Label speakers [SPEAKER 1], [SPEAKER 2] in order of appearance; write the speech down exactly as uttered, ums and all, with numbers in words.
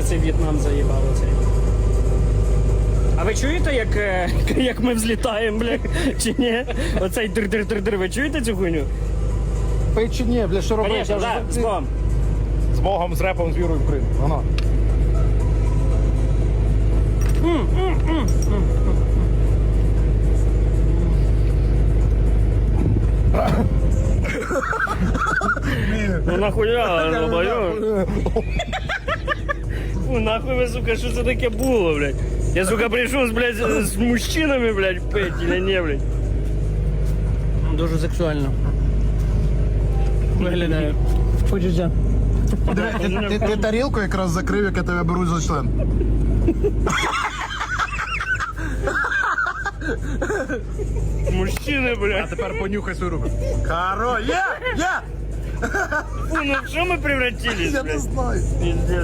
[SPEAKER 1] мене цей В'єтнам заїбав оцей. А ви чуєте, як, е, як ми взлітаємо, бля, чи ні? Оцей дир-дир-дир-дир, ви чуєте цю хуйню?
[SPEAKER 2] Пий чи ні, бля, що робиш?
[SPEAKER 1] Звісно, так, з Богом.
[SPEAKER 2] З Богом, з репом, з вірою в Крим. Воно.
[SPEAKER 1] Ну нахуя, долбойоб? Фу, нахуй ви, сука, що це таке було, блядь? Я, сука, прийшов, блядь, з з мужчинами, блядь, пить, или не, блядь? Дуже сексуально. Виглядає. Почуття.
[SPEAKER 2] Ти, ти, ти тарілку якраз закрив, як я тебе беру за член.
[SPEAKER 1] Мужчини,
[SPEAKER 2] А
[SPEAKER 1] блядь.
[SPEAKER 2] тепер понюхай свою руку. Хоро, є, є!
[SPEAKER 1] Фу, ну в що ми превратились,
[SPEAKER 2] Я не
[SPEAKER 1] блядь?
[SPEAKER 2] знаю.
[SPEAKER 1] Пиздец.